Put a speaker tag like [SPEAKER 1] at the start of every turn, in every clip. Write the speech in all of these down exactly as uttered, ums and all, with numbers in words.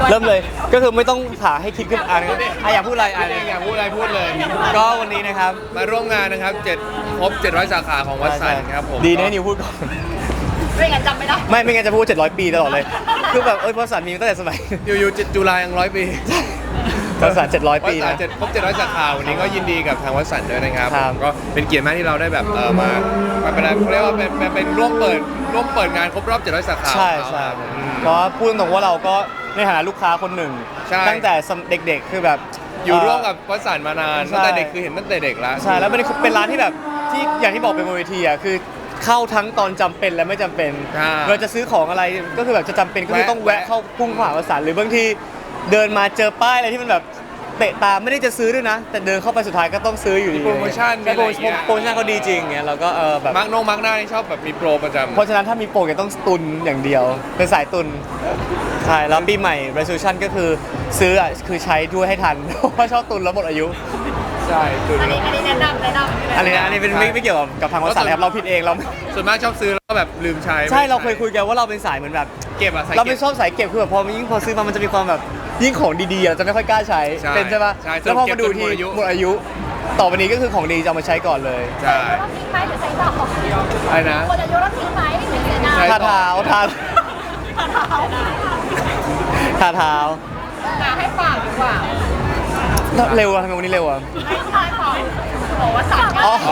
[SPEAKER 1] เริ่มเลยก็คือไม่ต้องหาให้คิดขึ้นอ่านนะอ่ะอยากพูดอะไรอ่ะ
[SPEAKER 2] อยากพูดอะไรพูดเลย
[SPEAKER 1] ก็วันนี้นะครับ
[SPEAKER 2] มาร่วมงานนะครับเจ็ดครบเจ็ดร้อยสาขาของวัดสันครับผม
[SPEAKER 1] ดีนะนิวพูดก่อน
[SPEAKER 3] ไม่งั้นจำไม่ได้
[SPEAKER 1] ไม่ไม่งั้นจะพูดเจ็ดร้อยปีตลอดเลยคือแบบเอ้ยวัดสันมีตั้งแต่สมัย
[SPEAKER 2] อยู่อยู่จุฬายังร้อยปี
[SPEAKER 1] วัดสันเจ็ดร้อย
[SPEAKER 2] วั
[SPEAKER 1] ปี
[SPEAKER 2] ดสัน
[SPEAKER 1] นะ
[SPEAKER 2] เจ็ดครบเจ็ดร้อยสาขาวันนี้ก็ยินดีกับทางวัดสันด้วยนะครับ
[SPEAKER 1] ครับ
[SPEAKER 2] ผมก็เป็นเกียรติมากที่เราได้แบบเออมามาเป็นอะไรเขาเรียกว่าเป็นเป็นเป็นร่วมเปิดร่วมเปิดงานครบรอบเจ็ดร้อยสาขา
[SPEAKER 1] ใช่
[SPEAKER 2] ของเขา
[SPEAKER 1] ใช่
[SPEAKER 2] ครับอืม
[SPEAKER 1] เพราะว่าพูดตรงๆว่าเราก็ในฐานะลูกค้าคนหนึ่ง
[SPEAKER 2] ใช่
[SPEAKER 1] ตั้งแต่เด็กๆคือแบบ
[SPEAKER 2] อยู่ร่วมกับวัดสันมานาน
[SPEAKER 1] ใช่
[SPEAKER 2] ตั้งแต่เด็กคือเห็นตั้งแต่เด็กแล้ว
[SPEAKER 1] ใช่แล้วมันเป็นร้านที่แบบที่อย่างที่บอกเป็นบนเวทีอ่ะคือเข้าทั้งตอนจำเป็นและไม่จำเป็น
[SPEAKER 2] ใช่
[SPEAKER 1] เราจะซื้อของอะไรก็คือแบบจะจำเป็นก็คือ
[SPEAKER 2] แวะ
[SPEAKER 1] ต้องแวะเข้าพุ่งเข้าหาวัดสันหรือบางทีเดินมาเจอป้ายอะไรที่มันแบบเตะตาไม่ได้จะซื้อด้วยนะ แต่เดินเข้าไปสุดท้ายก็ต้องซื้ออยู่ดี
[SPEAKER 2] มีโปรโมชั่น
[SPEAKER 1] ใช่โปรโม
[SPEAKER 2] มีอะไรอย่างเงี้ย
[SPEAKER 1] โปรโมชั่นเขาดีจริงเงี้ยเราก็เออแบบ
[SPEAKER 2] มาร์กนงมาร์กหน้านี่ชอบแบบมีโปรประจำ
[SPEAKER 1] เพราะฉะนั้นถ้ามีโปรก็ต้องตุนอย่างเดียว เป็นสายตุนใช่แล้วปีใหม่ resolution ก็คือซื้ออ่ะคือใช้ด้วยให้ทัน เพราะชอบตุนแล้วหมดอายุ
[SPEAKER 2] ใช่จุด
[SPEAKER 3] อันนี้อันนี้แนะนำแนะนำ
[SPEAKER 1] อันนี้นะอันนี้เป็นไม่ไม่เกี่ยวกับกับทางวัดสันนะครับเราผิดเองเรา
[SPEAKER 2] ส่วนมากชอบซื้อแล้วก็แบบลืมใช้
[SPEAKER 1] ใช่เราเคยคุยกันว่าเราเป็นสายเหมือนแบบ
[SPEAKER 2] เก็บอะใส่
[SPEAKER 1] เรา
[SPEAKER 2] เก็
[SPEAKER 1] เป็น
[SPEAKER 2] บ
[SPEAKER 1] ชอบสายเก็บคือแบบพอมันยิ่งพอซื้อมามันจะมีความแบบยิ่งของดีๆเราจะไม่ค่อยกล้าใช้
[SPEAKER 2] ใช่
[SPEAKER 1] เป็นใช่ปะ
[SPEAKER 2] ใช่
[SPEAKER 1] แล้วพอมาดูที
[SPEAKER 2] เก็บจนหมดอายุ
[SPEAKER 1] หมดอายุ ต่อไปนี้ก็คือของดีจะเอามาใช้ก่อนเลย
[SPEAKER 2] ใช่
[SPEAKER 3] ต้องทิ้งไหมหรือใช้ต่อ
[SPEAKER 2] อะไรนะ
[SPEAKER 3] ควรจะยกต้องทิ้งไหมหรือใช้หน้า
[SPEAKER 2] ใช้
[SPEAKER 1] ทาเท้าทาทาเท้า
[SPEAKER 3] ให้ฝากดีกว่า
[SPEAKER 1] เร็วอะทำไมวันนี้เร็วอะ
[SPEAKER 3] ให้ฝากของบอกว่าสั่ง
[SPEAKER 1] อ๋อ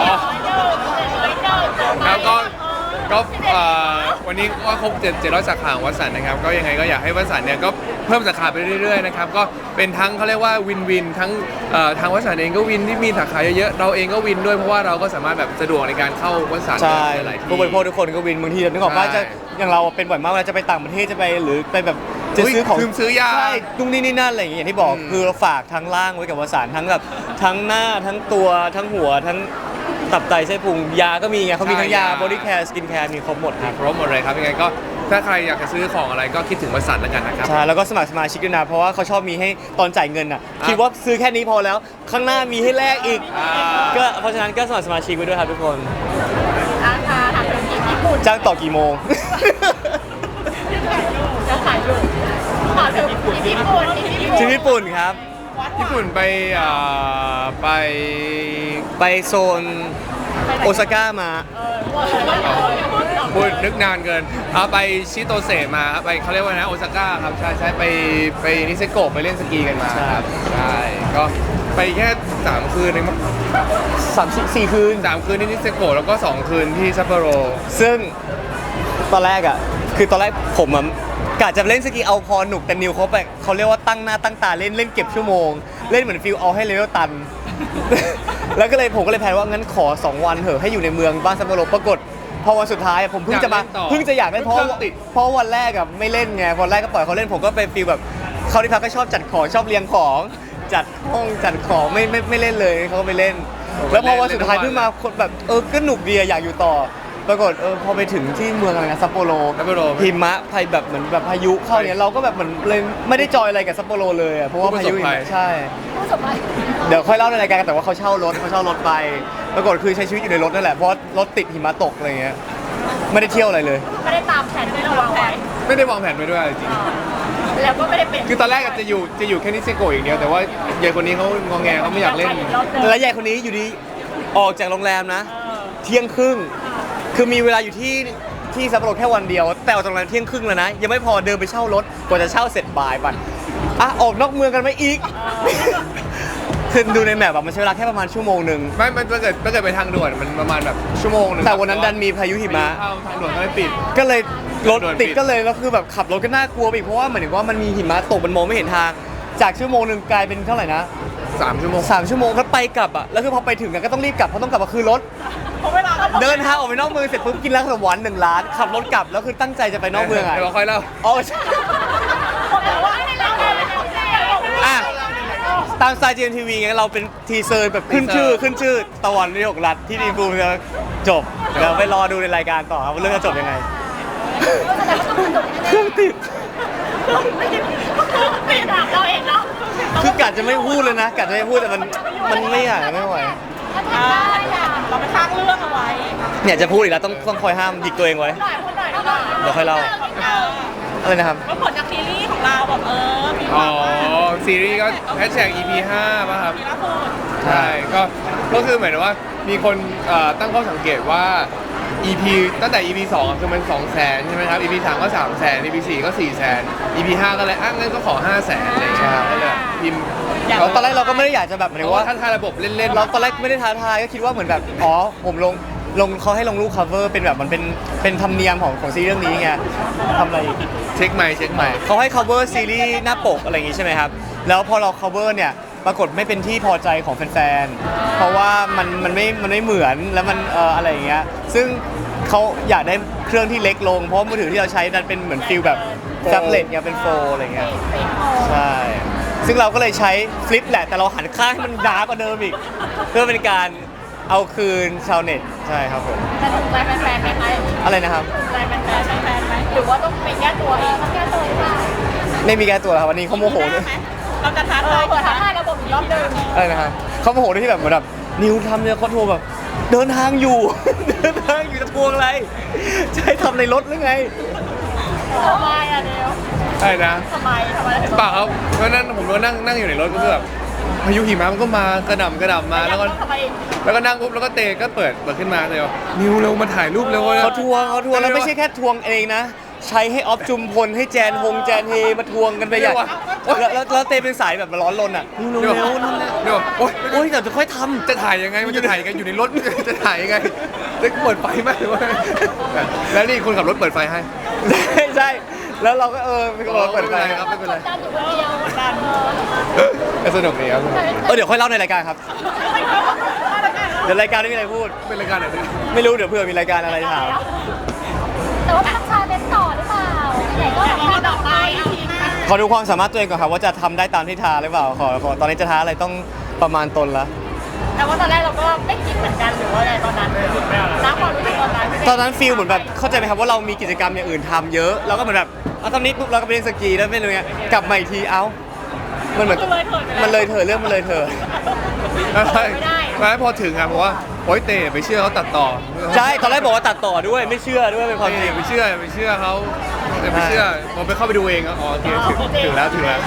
[SPEAKER 2] ครับก็ก็เอ่อวันนี้ก็ครบเจ็ดเจ็ดร้อยสาขาของวัดสันนะครับก็ยังไงก็อยากให้วัดสันเนี่ยก็เพิ่มสาขาไปเรื่อยๆนะครับก็เป็นทั้งเขาเรียกว่าวินวินทั้งเอ่อทางวัดสันเองก็วินที่มีสาขาเยอะๆเราเองก็วินด้วยเพราะว่าเราก็สามารถแบบสะดวกในการเข้าวัดสัน
[SPEAKER 1] ใช่
[SPEAKER 2] หลายๆที่
[SPEAKER 1] ผู้บริโภคทุกคนก็วินบางทีนึกออกว่า
[SPEAKER 2] ใช่
[SPEAKER 1] จะอย่างเราเป็นบ่อยมากเวลาจะไปต่างประเทศจะไปหรือไปแบบจะซื้อของ
[SPEAKER 2] ลืมซื้อยา
[SPEAKER 1] ใช่ตุ้งนี่นี่นั่นอะไรอย่างเงี้ยอย่างที่บอก
[SPEAKER 2] อืม
[SPEAKER 1] คือเราฝากทั้งล่างไว้กับวสานทั้งแบบทั้งหน้าทั้งตัวทั้งหัวทั้งตับไตไส้พุงยาก็มีไงเขามีทั้งยาบอดี้แคร์สกินแคร์มีครบหมดครับ
[SPEAKER 2] ครบหมดเลยครับยังไงก็ถ้าใครอยากจะซื้อของอะไรก็คิดถึงวัดสันแล้วกันนะครับ
[SPEAKER 1] ใช่แล้วก็สมัครสมาชิกด้วยนะเพราะว่าเขาชอบมีให้ตอนจ่ายเงินอ่ะ
[SPEAKER 2] อ่ะ
[SPEAKER 1] คิดว่าซื้อแค่นี้พอแล้ว ข้างหน้ามีให้แลกอีก
[SPEAKER 2] อ่า
[SPEAKER 1] ก็เพราะฉะนั้นก็สมัครสมาชิกไว้ด้วยครับทุกคน
[SPEAKER 3] อาคาทางธุรกิจญี่ปุ่น
[SPEAKER 1] จ้างต่อกี่โมง
[SPEAKER 3] จะขายอยู่ขอถึงญี่ปุ่นญี่ปุ่น
[SPEAKER 1] ที่ญี่ปุ่นครับ
[SPEAKER 2] ญี่ปุ่นไปอ่าไป
[SPEAKER 1] ไปโซนโอซาก้ามา
[SPEAKER 2] พูดนึกนานเกินเอาไปชิโตเซมาครับไปเขาเรียกว่านะโอซาก้าครับใช่ใช่ไปไปนิเซโกะไปเล่นสกีกันมาครับใช่ก็ไปแค่สามคืนเองมั้ง
[SPEAKER 1] สามสี่สี่คืน
[SPEAKER 2] สามคืนที่นิเซโกะแล้วก็สองคืนที่ซัปโปโร
[SPEAKER 1] ซึ่งตอนแรกอ่ะ คือตอนแรกผมอ่ะกะจะเล่นสกีเอาพอหนุกแต่นิวเขาแบบเขาเรียกว่าตั้งหน้าตั้งตาเล่นเล่นเก็บชั่วโมง เล่นเหมือนฟิลเอาให้เลเวลตัน แล้วก็เลยผมก็เลยแพลนว่างั้นขอสองวันเถอะให้อยู่ในเมืองบ้านซัปโปโรปรากฏพอวันสุดท้ายอะผมเพิ่งจะมาเพิ่งจะอยากเล่นเพราะว่าเพราะวันแรกอะไม่เล่นไงวันแรกก็ปล่อยเขาเล่นผมก็เป็นฟีลแบบเขาที่พักก็ชอบจัดของชอบเรียงของ จัดห้องจัดของไม่ไม่ไม่เล่นเลยเขาก็ไปเล่น แล้วพอวันสุดท้ายเพิ่งมาคนแบบเออก็หนุกดีอะอยากอยู่ต่อ ปรากฏเออพอไปถึงที่เมืองอะไรนะซัปโปโร
[SPEAKER 2] ซัปโปโร
[SPEAKER 1] หิมะพายแบบเหมือนแบบพายุเข้าเนี่ยเราก็แบบเหมือนเลยไม่ได้จอยอะไรกับซัปโปโรเลยอะเพราะว่าพายุหิมะใช่
[SPEAKER 3] ผู้สมัย
[SPEAKER 1] เดี๋ยวค่อยเล่าในรายการกันแต่ว่าเขาเช่ารถเขาเช่ารถไป ปรากฏคือใช้ชีวิตอยู่ในรถนั่นแหละเพราะรถติดหิมะตกอะไรเงี้ยไม่ได้เที่ยวอะไรเลย
[SPEAKER 3] ไม่ได้ตามแผนที่เราวางไว้
[SPEAKER 2] ไม่ได้วางแผนไว้ด้วยจริง
[SPEAKER 3] แล้วก็ไม่ได้เป็น
[SPEAKER 2] คือตอนแรกอาจจะอยู่จะอยู่แค่นิเซโกะอย่างเดียวแต่ว่ายายคนนี้เขางองแงเขาไม่อยากเล่น
[SPEAKER 1] แล้วยายคนนี้อยู่ดีออกจากโรงแรมนะ เที่ยงครึ่งคือมีเวลาอยู่ที่ที่ซัปโปโรแค่วันเดียว แต่ออกจากโรงแรมเที่ยงครึ่งแล้วนะ ยังไม่พอเดินไปเช่ารถกว่าจะเช่าเสร็จบ่ายป่ะอ่ะออกนอกเมืองกันไหมอีก คือดูในแมปอะมันใช้เวลาแค่ประมาณชั่วโมงหนึ่ง
[SPEAKER 2] ไม่มันถ้าเกิดถ้าเกิดไปทางด่วนมันประมาณแบบชั่วโมงหนึง
[SPEAKER 1] แต่วันนั้นดันมีพายุหิมะ
[SPEAKER 2] เข้าทางด่วนก็เลยปิด
[SPEAKER 1] ก็เลยรถ
[SPEAKER 2] โดนปิด
[SPEAKER 1] ติดก็เลยแล้วคือแบบขับรถก็น่ากลัวไปอีกเพราะว่าเหมือนว่ามันมีหิมะตกมันมองไม่เห็นทาง จากชั่วโมงหนึ่งกลายเป็นเท่าไหร่นะ
[SPEAKER 2] สามชั่วโมง
[SPEAKER 1] สามชั่วโมงก็ไปกลับอ่ะแล้วคือพอไปถึงอะก็ต้องรีบกลับเพราะต้องกลับมาคืนรถ
[SPEAKER 3] เพราะเวลา
[SPEAKER 1] เดินทางออกไปนอกเมืองเสร็จปุ๊บกินร้านขนมหวานหนึ่งร้านขับรถกลับแล้วคือตั้งใจจะไปนอกเมืองอ่ะ
[SPEAKER 2] เดี๋ยวเราค่อยเล่า
[SPEAKER 1] อ๋อใช่
[SPEAKER 3] แต่ว่าไม่ได้เล่าเลย
[SPEAKER 1] อ่ะตามสไตล์ จี เอ็ม ที วี ไงเราเป็นทีเซอร์แบบขึ้นชื่อขึ้นชื่อตะวันวิทยกรัฐที่ดีบูมจะจบเดี๋ยวไปรอดูในรายการต่อครับว่าเรื่องจะจบยังไงเครื่องติด
[SPEAKER 3] ไม่ถามเราเองเนาะ
[SPEAKER 1] คือกะจะไม่พูดเลยนะกะจะไม่พูดแต่มันมันไม่อยากไม่ไหว
[SPEAKER 3] เราไปสร้างเรื่องเอาไว้
[SPEAKER 1] เนี่ยจะพูดอีกแล้วต้องต้องคอยห้ามหยิกตัวเองไว้
[SPEAKER 3] หน่อยคนหน่อยหน่อย
[SPEAKER 1] เดี๋ยวค่อยเล่าอะไรนะครับ
[SPEAKER 3] ก็ผลจากซีรีส์ของเราแบบเออมี
[SPEAKER 2] อ๋อซีรีส์ก็แฮชแท็ก อี พี ห้าป่ะครับ
[SPEAKER 3] มีล่าสุด
[SPEAKER 2] ใช่ก็ก็คือเหมือนว่ามีคนเอ่อตั้งข้อสังเกตว่า อี พี ตั้งแต่ อี พี สองอะคือมันสองแสนใช่ไหมครับ อี พี สามก็สามแสน อี พี สี่ก็สี่แสน อี พี ห้าก็เลยอ่ะงั้นก็ขอห้าแสนอะไรอย่างเงี้ยก็เลยพิมพ์
[SPEAKER 1] เราตอนแรกเราก็ไม่ได้อยากจะแบบหมาย
[SPEAKER 2] เพ
[SPEAKER 1] ถึ
[SPEAKER 2] ราะ
[SPEAKER 1] ง
[SPEAKER 2] ว่า
[SPEAKER 1] ว่า
[SPEAKER 2] ท่านทายระบบเล่นๆ
[SPEAKER 1] เราตอนแรกไม่ได้ท้าทายก็คิดว่าเหมือนแบบอ๋อผมลงลงเขาให้ลงรูป cover เป็นแบบมันเป็นเป็นธรรมเนียมของของซีรีส์เรื่องนี้ไงทำอะไรอีก
[SPEAKER 2] เช็คใหม่เช็คใหม่
[SPEAKER 1] เขาให้ cover ซีรีส์หน้าปกอะไรอย่างงี้ใช่ไหมครับ แล้วพอเรา cover เนี่ยปรากฏไม่เป็นที่พอใจของแฟนๆ เพราะว่ามันมันไม่มันไม่เหมือนแล้วมันเอ่ออะไรอย่างเงี้ย ซึ่งเขาอยากได้เครื่องที่เล็กลง เพราะมือถือที่เราใช้นั้นเป็นเหมือนฟิลแบบแท็บเล็ตเนี่ยเป็นโฟลอะไรเงี้ย ใช่ ซึ่งเราก็เลยใช้ฟลิปแหละ แต่เราหันข้างให้มันดาร์กกว่าเดิมอีก เพื่อเป็นการเอาคืนชาวเน็ต ใช่ครับผม
[SPEAKER 3] แต่ถูกใจแฟนๆไหมคะ
[SPEAKER 1] อะไรนะครับ
[SPEAKER 3] ถูกใจแฟนๆแฟนๆไหมหรือว่าต้องไปแก้ตัวเองต้องแก้ตัวหรือเปล่า
[SPEAKER 1] ไม่มีแก้ตัวแล้วครับวันนี้เขาโมโหด้วย
[SPEAKER 3] เราจะท้าทายเปิดท้าทายระบบอีกรอบหนึ่ง
[SPEAKER 1] อะไรนะครับเขาโมโหด้วยที่แบบเหมือนแบบนิวทำเนี่ยเขาโทรแบบเดินทางอยู่ เดินทางอยู่จะทวงอะไรจะให้ทำในรถหรือไง
[SPEAKER 3] ทำไมอ่ะเดียว
[SPEAKER 2] ใช่นะ
[SPEAKER 3] ทำไมทำไมถึง
[SPEAKER 2] เปล่าครับเพราะนั้นผมก็นั่งนั่งอยู่ในรถก็คือแบบพายุหิมะมันก็มากระหน่ำกระหน่ำมาแล้วก็
[SPEAKER 3] ทำไม
[SPEAKER 2] แล้วก็นั่งปุ๊บแล้วก็เตะก็เปิดเปิดขึ้นมาเลยว่านิวเร็วมาถ่ายรูปเร็ว
[SPEAKER 1] เขาทวงเขาทวงแล้วไม่ใช่แค่ทวงเองนะ ใช้ให้ออฟจุมพลให้แจนฮงแจนเฮมาทวงกันไปใหญ่แล้วแล้วแล้วเตเป็นสายแบบร้อนรนอ่ะเร็ว
[SPEAKER 2] เดี๋ยว
[SPEAKER 1] เร็วนั่นแหละ
[SPEAKER 2] เดี๋ยวโอ๊ย
[SPEAKER 1] โอ้ยเดี๋ยวจะค่อยทำ
[SPEAKER 2] จะถ่ายยังไงมันจะถ่ายยังไงอยู่ในรถ จะถ่ายยังไงจะเปิดไฟไหมหรือว่าแล้วนี่คนขับรถเปิดไฟให้
[SPEAKER 1] ใช่ใช่แล้วเราก็เออเป็นคนเปิดไฟ
[SPEAKER 2] ไม่เป็นไรครับไม่เป็นไร
[SPEAKER 3] ดันอยู่คนเดียวดัน
[SPEAKER 2] ก็สนุกดีครับ
[SPEAKER 1] เออเดี๋ยวค่อยเล่าในรายการครับ เดี๋ยวรายการไม่มีอะไรพูด
[SPEAKER 2] เป็นรายการไหนเนี่ย
[SPEAKER 1] ไม่รู้เดี๋ยวเผื่อมีรายการอะไรถาม
[SPEAKER 4] แต่ว่าต้องชาเลนจ์ต่อหรือเปล่าไหนๆก็
[SPEAKER 3] แต่
[SPEAKER 4] แบบ
[SPEAKER 3] พอ
[SPEAKER 4] ว่า
[SPEAKER 3] ต่อไปอีพี
[SPEAKER 1] ขอดูความสามารถตัวเองก่อนครับว่าจะทำได้ตามที่ท้าหรือเปล่าขอขอตอนนี้จะท้าอะไรต้องประมาณตนละ
[SPEAKER 3] แต่ว่าตอนแรกเราก็ไม่คิดเหมือนกันหรือว่าอะไรตอนนั้นน้ำความรู้สึกตอนนั้น
[SPEAKER 1] ตอนนั้นฟีลเหมือนแบบเข้าใจไหมครับว่าเรามีกิจกรรมอย่างอื่นทำเยอะเราก็เหมือนแบบเอาตอนนี้ปุ๊บเราก็ไปเล่นสกีแล้วไม่รู้ไงกลับมาอีกทีเอ้ามันเหมือนมันเลยเถอะเรื่องมันเลยเถอะ
[SPEAKER 2] แล้วแล้วพอถึงอะบอกว่าโอ๊ยเตะไปเชื่อเขาตัดต่อ
[SPEAKER 1] ใช่ตอนแรกบอกว่าตัดต่อด้วยไม่เชื่อด้วยเป็นความจริง
[SPEAKER 2] ไปเชื่อไปเชื่อเขาแต่ไม่เชื่อผมไปเข้าไปดูเองอ๋อโอเคถึงถึงแล้วถึงแล้ว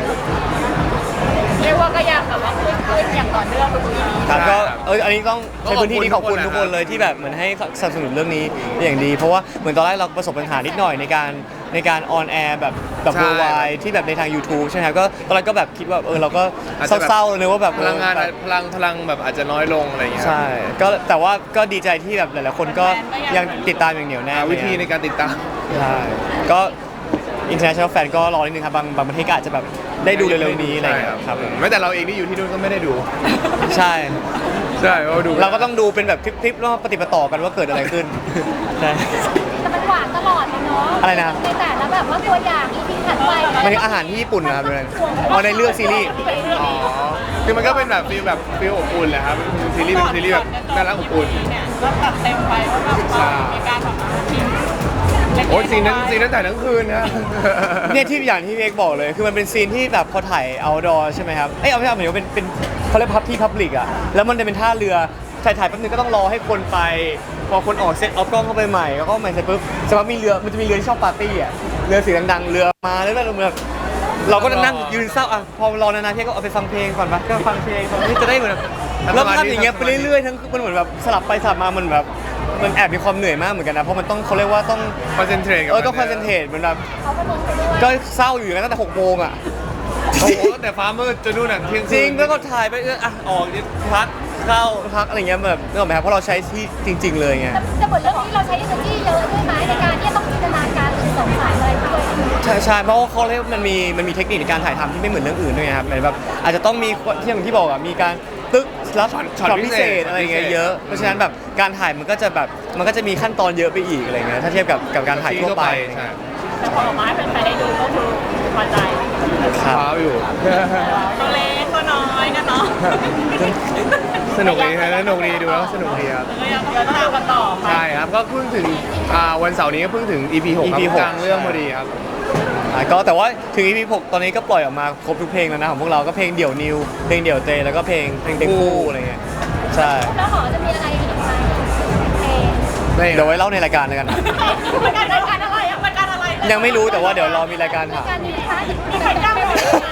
[SPEAKER 3] เรียกว่าก็ยังแบบว่าขึ้นขึ้นอย่างต่อเนื่องทุกปี
[SPEAKER 1] ครับก็
[SPEAKER 2] ใช่ครับ
[SPEAKER 1] เอออันนี้ต้อง
[SPEAKER 2] ก็
[SPEAKER 1] ใช้พื้นที่นี้ขอบคุณ
[SPEAKER 2] ขอบคุณ
[SPEAKER 1] ทุกคนเลย
[SPEAKER 2] นะครับ
[SPEAKER 1] ที่แบบเหมือนให้สนับสนุนเรื่องนี้อย่างดี เพราะว่าเหมือนตอนแรกเราประสบปัญหานิดหน่อยในการในการออนแอร์แบบแบบ
[SPEAKER 2] ใช่
[SPEAKER 1] เวอร์ไวที่แบบในทาง YouTube ใช่ไหมครับก็ตอนแรกก็แบบคิดว่าเออเราก็
[SPEAKER 2] อาจจะแบบ
[SPEAKER 1] เศร้าๆเลยว่าแบบ
[SPEAKER 2] พลังงาน
[SPEAKER 1] เออแบบ
[SPEAKER 2] พลังพลังแบบอาจจะน้อยลงอะไรอย่างเงี้ย
[SPEAKER 1] ใช่ก็แต่ว่าก็ดีใจที่แบบหลายๆคนก็ยังติดตามอย่างเหนียวแน่
[SPEAKER 2] หาวิธีในการติดตาม
[SPEAKER 1] ใช่ก็ international fan ก็รอนิดนึงครับบางบางประเทศก็อาจจะแบบได้ดูเร็วๆนี้อะไรอย่างเงี้ยครับผม
[SPEAKER 2] แม้แต่เราเองที่อยู่ที่นู่นก็ไม่ได้ดู
[SPEAKER 1] ใช่
[SPEAKER 2] ใช่เราดู
[SPEAKER 1] เราก็ต้องดูเป็นแบบคลิปๆแล้วปฏิปต่อกันว่าเกิดอะไรขึ้นใช่
[SPEAKER 4] แต่มันหวานตลอดเลยเนาะ
[SPEAKER 1] อะไรนะ
[SPEAKER 4] ในแต่ละแบบว่าตัวอย่างอีพีถัดไป
[SPEAKER 1] มันคืออาหารที่ญี่ปุ่นนะครับเป็นเอาในเรื่องซีรีส์
[SPEAKER 2] อ๋อคือมันก็เป็นแบบฟีลแบบฟีลอบอุ่นแหละครับซีรีส์เป็นซีรีส์แบบน่ารักอบอุ่น
[SPEAKER 3] เนี่ยก็ตัดเต็มไปว่าแบบมีการแบบทิ้ง
[SPEAKER 2] โอ้ยซีนนั้นซีนนั้นถ่ายทั้งคืนนะ
[SPEAKER 1] เนี่ยที่อย่างที่พี่เอกบอกเลย คือมันเป็นซีนที่แบบพอถ่าย outdoor ใช่ไหมครับ เอ้ยเอาไม่ใช่หมายถึงว่าเป็นเป็นเขาเรียกพับที่พับลิกอะแล้วมันจะเป็นท่าเรือถ่ายถ่ายแป๊บนึงก็ต้องรอให้คนไป พอคนออกเซตเอากล้องเข้าไปใหม่แล้วก็ใหม่เสร็จปุ๊บสมมติมีเรือมันจะมีเรือที่ชอบปาร์ตี้อะเรือสีดังๆเรือมาแล้วแบบแบบเราก็นั่งยืนเศร้าอ่ะพอรอนานๆพี่ก็เอาไปฟังเพลงก่อนปะก็ฟังเพลงฟังนี่จะได้เหมือนแบบแล้วภาพอย่างเงี้ยไปเรื่อยๆทั้งมันเหมือนแบบสลับไปสลับมามันแบบมันแอบมีความเหนื่อยมากเหมือนกันนะเพราะมันต้องเขาเรียกว่าต้อง
[SPEAKER 2] คอนเซนเทรตกับ
[SPEAKER 1] เออต้องคอนเซนเทรตเหมือนแบบ
[SPEAKER 4] เขาก็ลงไปด้วย
[SPEAKER 1] ก็เศร้าอยู่อย่างนั้นตั้งแต่หกโมงอ่ะ
[SPEAKER 2] โอ้โหแต่ฟ้ามืดจนนู่นน่ะเที่ยงคืน
[SPEAKER 1] จริงแล้วก็ถ่ายไปเอออ่ะออกนิดพักเข้าพักอะไรเงี้ยแบบนึกออกไหมครับเพราะเราใช้ที่จริง ๆ เลยไง
[SPEAKER 4] แต่แต่บทเรื่องนี้เราใช้ energy เยอะด้วยไหมในการที่จะต้องจินตนาการหรือสงสัยอะไรด้วย
[SPEAKER 1] ใช่ใช่เพราะว่าเขาเรียกว่ามันมีมันมีเทคนิคในการถ่ายทำที่ไม่เหมือนเรื่องอื่นด้วยไงครับเหมือนแบบอาจจะต้องมีที่อย่างที่บอกอ่ะมีการตึ๊กรับช็อตพิเศษอะไรเงี้ยเยอะเพราะฉะนั้นแบบการถ่ายมันก็จะแบบมันก็จะมีขั้นตอนเยอะไปอีกอะไรเงี้ยถ้าเทียบกับกับการถ่ายทั่วไป
[SPEAKER 2] ใช่
[SPEAKER 3] แต่พอออกมาให้แฟนๆได้ดูก็คือพอใจ
[SPEAKER 1] ครับ
[SPEAKER 2] ฟ้าอยู่
[SPEAKER 3] ตัวเล็กตัวน้อยกันเนาะ
[SPEAKER 2] สนุกดีนะสนุกดีดูแล้วสนุกดีครับ
[SPEAKER 3] ก็ยังต้องตามกันต่อไป
[SPEAKER 2] ใช่ครับก็เพิ่งถึงอ่าวันเสาร์นี้ก็เพิ่งถึง อี พี หกครับ
[SPEAKER 1] อี พี หก
[SPEAKER 2] กลางเรื่องพอดีครับ
[SPEAKER 1] อ่ะก็แต่ว่าถึง อี พี หกตอนนี้ก็ปล่อยออกมาครบทุกเพลงแล้วนะของพวกเราก็เพลงเดี่ยวนิวเพลงเดี่ยวเตแล้วก็เพลงเพลงเพลงคู่อะไรเงี้ยใช่
[SPEAKER 4] แล้วหอจะมีอะไรอีกไหมเพลง
[SPEAKER 1] เดี๋ยวไว้เล่าในรายการแล้วกันนะ
[SPEAKER 3] มันการรายการอะไรอ่ะมันการอะไร
[SPEAKER 1] ยังไม่รู้แต่ว่าเดี๋ยวรอมีรายการถาม
[SPEAKER 4] การนี้นะคะ
[SPEAKER 3] มีใครกล้าไป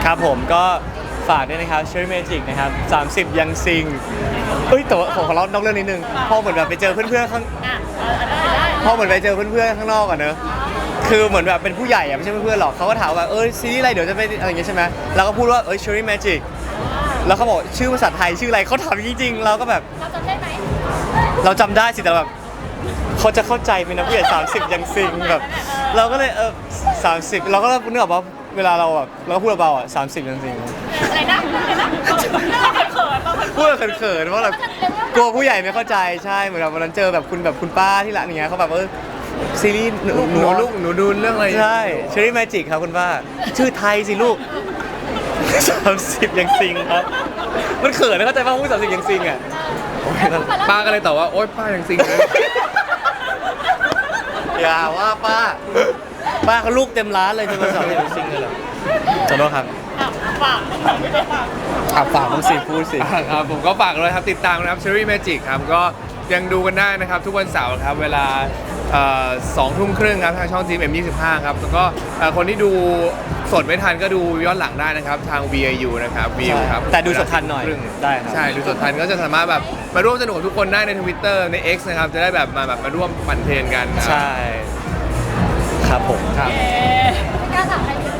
[SPEAKER 1] ครับผมก็ฝากด้วยนะครับ Cherry Magic นะครับสามสิบยังซิงเอ้ยแต่ว่าผมขอเล่านอกเรื่องนิดนึงพอเหมือนแบบไปเจอเพื่อนๆข้าง
[SPEAKER 3] อ่ะเออได้ได้
[SPEAKER 1] พอเหมือนไปเจอเพื่อนๆข้างนอกอะเนอะคือเหมือนแบบเป็นผู้ใหญ่อะไม่ใช่เพื่อนๆหรอกเขาก็ถามว่าเออซีรีส์อะไรเดี๋ยวจะไปอะไรอย่างเงี้ยใช่ไหมเราก็พูดว่าเอ้ย Cherry Magic แล้วเขาบอกชื่อภาษาไทยชื่ออะไรเขาถามจริงๆเราก็แบบ
[SPEAKER 4] เราจำได้ไหม
[SPEAKER 1] เราจำได้สิแต่แบบเขาจะเข้าใจไหมนะผู้ใหญ่สามสิบยังซิงแบบเราก็เลยเออสามสิบเราก็นึกออกว่าเวลาเราแบบเราก็พูดเบาๆอ่ะสามสิบยังซิง
[SPEAKER 3] อะไรนะอะไรนะเราเขินเราเขิน
[SPEAKER 1] พูดแบบเขินๆเพราะแบบกลัวผู้ใหญ่ไม่เข้าใจใช่เหมือนแบบวันนั้นเจอแบบคุณแบบคุณป้าที่ร้านอย่างเงี้ยเขาแบบเออซีรีส์หนู
[SPEAKER 2] หนูลูกหนูดูเรื่องอะไร
[SPEAKER 1] ใช่ Cherry Magic ครับคุณป้าชื่อไทยสิลูกสามสิบยังซิงครับมันเขินนะเข้าใจป่ะพูดสามสิบยังซิงอ่ะ
[SPEAKER 2] ป้าก็เลยตอบว่าโอ๊ยป้ายังซิงเลย
[SPEAKER 1] อย่าว่าป้า ป้าเขาลูกเต็มร้านเลยจะมาสอนเรื่องซิงเลยเหรอขอโทษครับ
[SPEAKER 3] อ่ะฝากฝากไม่ได้ฝาก
[SPEAKER 1] อ่ะฝากมึงสิพูดสิ
[SPEAKER 2] ครับผมก็ฝากเลยครับติดตามนะครับ Cherry Magic ครับก็ยังดูกันได้นะครับทุกวันเสาร์ครับเวลาสองทุ่มครึ่งครับทางช่อง จี เอ็ม ยี่สิบห้าครับแล้วก็เอ่อคนที่ดูสดไม่ทันก็ดูย้อนหลังได้นะครับทาง วี ไอ ยู นะครับวิวครับ
[SPEAKER 1] แต่ดูสดทันหน่อย
[SPEAKER 2] ครึ่ง
[SPEAKER 1] ได้ครับ
[SPEAKER 2] ใช่ดูสดทันก็จะสามารถแบบมาร่วมสนุกกับทุกคนได้ใน Twitter ใน X นะครับจะได้แบบมาแบบมาร่วมปั่นเทรนกันนะครับ
[SPEAKER 1] ใช่ ครับผม
[SPEAKER 2] ครับ
[SPEAKER 3] เอ๊ะ
[SPEAKER 4] ไม่กล้าถามใครเลย